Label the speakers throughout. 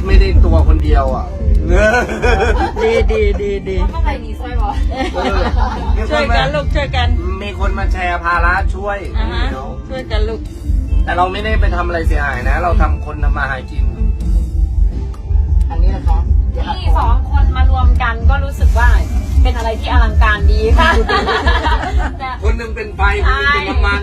Speaker 1: ไม่ได้ตัวคนเดียวอ่ะ
Speaker 2: ดี
Speaker 3: เข้าไปนี่ช่วยบอก
Speaker 2: ช่วยกันลูกช่วยกัน
Speaker 1: มีคนมาแชร์ภาระช่วย
Speaker 2: ช่วยกันลูก
Speaker 1: แต่เราไม่ได้ไปทำอะไรเสียหายนะเราทำคนทำมาหากิน
Speaker 3: อันนี้นะครับที่2 คนมารวมกันก็รู้สึกว่าเป็นอะไรที่อลังการดีค่ะ
Speaker 1: คนหนึ่งเป็นไฟคนหนึ่งเป็นน้ำมัน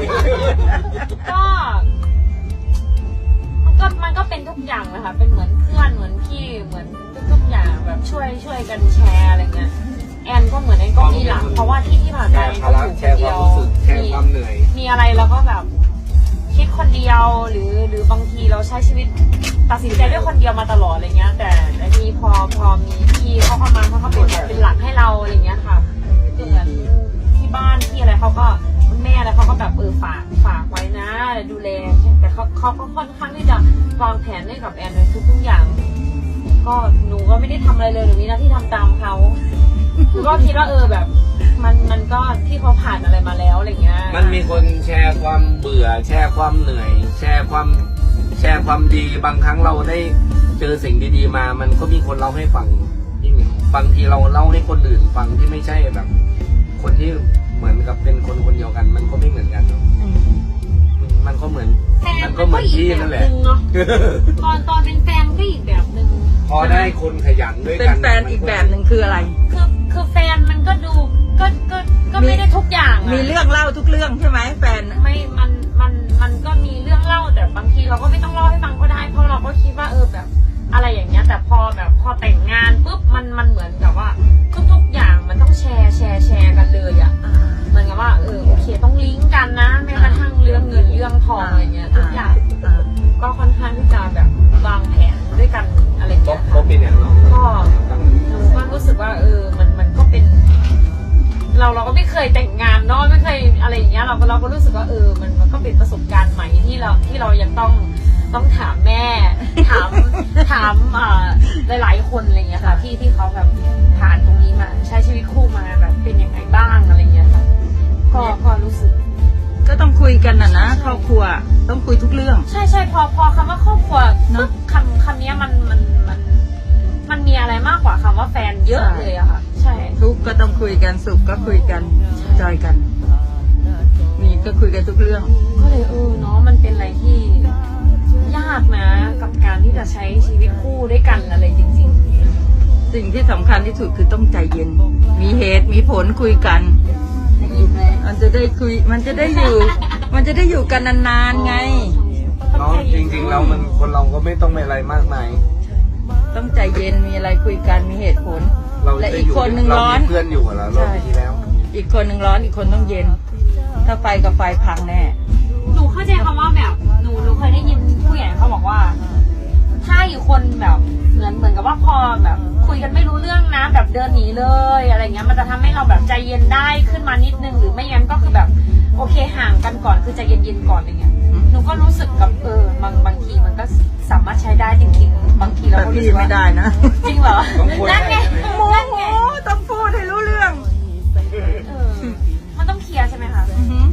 Speaker 3: มันก็เป็นทุกอย่างนะคะเป็นเหมือนเพื่อนเหมือนพี่เหมือนทุกอย่างแบบช่วยกันแชร์อะไรเงี้ยแอนก็เหมือนแอนก็มีหลักเพราะว่าที่ผ่านไปก็อยู่คนเดียวมีอะไรเราก็แบบคิดคนเดียวหรือบางทีเราใช้ชีวิตตัดสินใจด้วยคนเดียวมาตลอดอะไรเงี้ยแต่ทีนี้พอมีพี่เขาเข้ามาเขาก็เป็นหลักให้เราอะไรเงี้ยค่ะเหมือนที่บ้านที่อะไรเขาก็แม่อะไรเขาก็แบบฝากไว้นะดูแลแต่เขาก็ค่อนข้างที่จะวางแผนให้กับแอนในทุกอย่างก็หนูก็ไม่ได้ทำอะไรเลยหนูมีหน้าที่ทำตามเขาก็คิดว่าแบบมันก็ที่เขาผ่านอะไรมาแล้วอะไรเงี้ย
Speaker 1: มันมีคนแชร์ความเบื่อแชร์ความเหนื่อยแชร์ความดีบางครั้งเราได้เจอสิ่งดีๆมามันก็มีคนเล่าให้ฟังบางทีเราเล่าให้คนอื่นฟังที่ไม่ใช่แบบคนที่เหมือนกับเป็นคนเดียวกันมันก็ไม่เหมือนกันมันก็เหมือนที่นั่นแหละ
Speaker 3: ตอนเป็นแฟนก็อีกแบบนึง
Speaker 1: พอได้คนขยันด้วยกัน
Speaker 2: เป็นแฟนอีกแบบหนึ่งคืออะไร
Speaker 3: คือแฟนมันก็ดูก็ไม่ได้ทุกอย่าง
Speaker 2: มีเรื่องเล่าทุกเรื่องใช่ไหมแฟน
Speaker 3: ไม่มันก็มีเรื่องเล่าแต่บางทีเราก็ไม่ต้องเล่าให้ฟังก็ได้เพราะเราก็คิดว่าแบบอะไรอย่างเงี้ยแต่พอแต่งงานปุ๊บมันเหมือนกับว่าทุกอย่างมันต้องแชร์กันเลยอ่ะเหมือนกับว่าโอเคต้องลิงก์กันนะแม้กระทั่งเรื่องเงินเรื่องทองอะไรเงี้ยทุกอย่างก็ค่อนข้างที่จะแบบวางแผนด้วยกันอะไรเงี้ยค่ะก็หนูก็รู้สึกว่ามันก็เป็นเราก็ไม่เคยแต่งงานเนาะไม่เคยอะไรอย่างเงี้ยเราก็รู้สึกว่ามันก็เป็นประสบการณ์ใหม่ที่เรายังต้องถามแม่ถามหลายๆคนอะไรเงี้ยค่ะที่เขาแบบผ่านตรงนี้มาใช้ชีวิตคู่มาแบบเป็นยังไงบ้างอะไรเงี้ยค่ะก็รู้สึก
Speaker 2: ก็ต้องคุยกันนะครอบครัวต้องคุยทุกเรื่อง
Speaker 3: ใช่พอคำว่าครอบครัวปุ๊บคำนี้มันมีอะไรมากกว่าคำว่าแฟนเยอะเลยอะค่ะใช่
Speaker 2: ทุกก็ต้องคุยกันสุขก็คุยกันจอยกันมีก็คุยกันทุกเรื่อง
Speaker 3: ก็เลยเนาะมันเป็นอะไรที่ยากนะกับการที่จะใช้ชีวิตคู่ด้วยกันอะไรจริง
Speaker 2: ๆสิ่งที่สำคัญที่สุดคือต้องใจเย็นมีเหตุมีผลคุยกันมันจะได้คุยมันจะได้อยู่กันนานๆไง
Speaker 1: เนาะจริงๆเรามันคนเราก็ไม่ต้องมีอะไรมากมาย
Speaker 2: ต้องใจเย็นมีอะไรคุยกันมีเหตุผลและอีกคนหนึ่งร้อน
Speaker 1: เพื่อนอยู่แล้วรอบที่แล้ว
Speaker 2: อีกคนหนึ่งร้อนอีกคนต้องเย็นถ้าไฟกับไฟพังแน่
Speaker 3: หนูเข้าใจคำว่าแบบหนูเคยได้ยินผู้ใหญ่เขาบอกว่าถ้าอยู่คนแบบเหมือนกับว่าพอแบบคุยกันไม่รู้เรื่องนะแบบเดินหนีเลยอะไรเงี้ยมันจะทำให้เราแบบใจเย็นได้ขึ้นมานิดนึงหรือไม่งั้นก็คือแบบโอเคห่างกันก่อนคือใจเย็นๆก่อนอะไรเงี้ยหนูก็รู้สึกกับบางทีมันก็สามารถใช้ได้จริงๆบางทีเราก็รู้สึก
Speaker 2: ไม่ได้นะ
Speaker 3: จริงเหรอนั่นไง
Speaker 2: ต้องพูดให้รู้เรื่อง
Speaker 3: มันต้องเคลียร์ใช่ไหมคะ